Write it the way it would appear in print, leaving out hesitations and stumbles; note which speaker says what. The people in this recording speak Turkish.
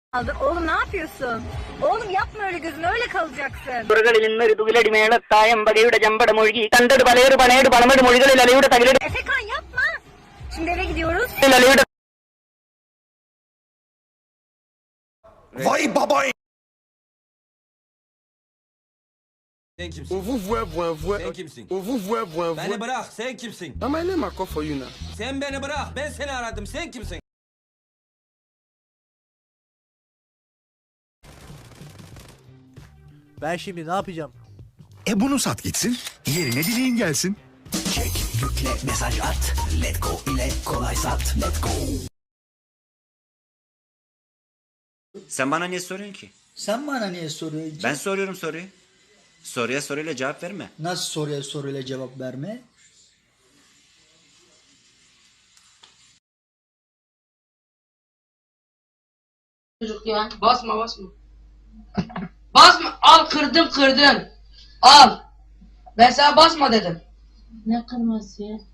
Speaker 1: Aldın. Oğlum ne yapıyorsun? Oğlum yapma öyle, gözün öyle kalacaksın. Efekan yapma. Şimdi eve gidiyoruz.
Speaker 2: Vay baba.
Speaker 3: Sen kimsin?
Speaker 2: On vous voit, voit.
Speaker 3: Sen kimsin?
Speaker 2: On vous voit.
Speaker 3: Beni bırak, sen kimsin?
Speaker 2: My name I call for you now.
Speaker 3: Sen beni bırak, ben seni aradım, sen kimsin?
Speaker 4: Ben şimdi ne yapacağım?
Speaker 5: Bunu sat gitsin, yerine dileğin gelsin.
Speaker 6: Çek, yükle, mesaj at. Let go ile kolay sat. Let go.
Speaker 7: Sen bana niye soruyorsun ki?
Speaker 8: Sen bana niye soruyorsun?
Speaker 7: Ben soruyorum soruyu. Soruya soruyla cevap verme.
Speaker 8: Nasıl soruya soruyla cevap verme?
Speaker 9: Çocuk ya. Basma. Basma. Al kırdın. Al. Ben sana basma dedim.
Speaker 10: Ne kırması ya?